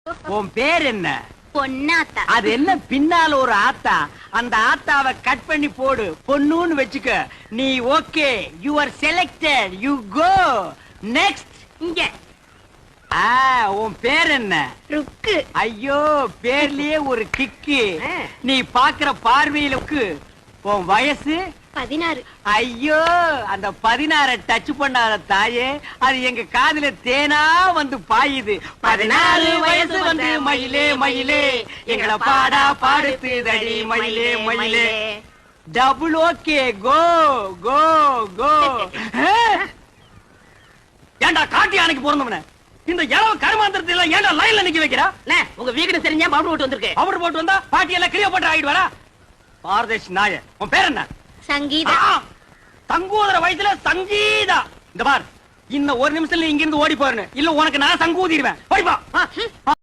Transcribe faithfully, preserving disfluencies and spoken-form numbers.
உன் பேர் என்ன? பொன்னாத்தா. அது என்ன பின்னால ஒரு ஆத்தா? அந்த ஆத்தாவை கட் பண்ணி போடு, பொண்ணுன்னு வெச்சுக்க. நீ okay, you are selected, you go next. இங்க ஆ, உன் பேர் என்ன? ருக்கு. ஐயோ, பேர்லயே ஒரு கிக்கு. நீ பாக்குற பார்வையிலுக்கு. உன் வயசு பதினாறு. ஐயோ, அந்த பதினாறு டச் பண்ணாத தாயே, அது எங்க காதுல தேனா வந்து பாயுது. பதினாறு வயசு வந்து மயிலே மயிலே எங்களை பாடா பாடுத்துதடி மயிலே மயிலே. Double okay, go go go. ஏண்டா காட்டி யானைக்கு பிறந்தவன இந்த இளவு கருமாந்திரத்துல ஏண்டா லைன்ல நிக்க வைக்கிறா? உங்க வீடு தெரிஞ்சா பவுடர் போட்டு வந்திருக்கு. பவுடர் போட்டு வந்தா பாட்டி எல்லாம் கிளியோ போட்டு ஆகிடுவாரா? பாரதேஷ் நாய, உன் பேர் என்ன? சங்கீதா. சங்கூதர வயசுல சங்கீதா. இந்த பார், இன்னும் ஒரு நிமிஷத்துல இங்க இருந்து ஓடி போறேன்னு இல்ல உனக்கு நான் சங்கூதிடுவேன். ஓடிப்பா.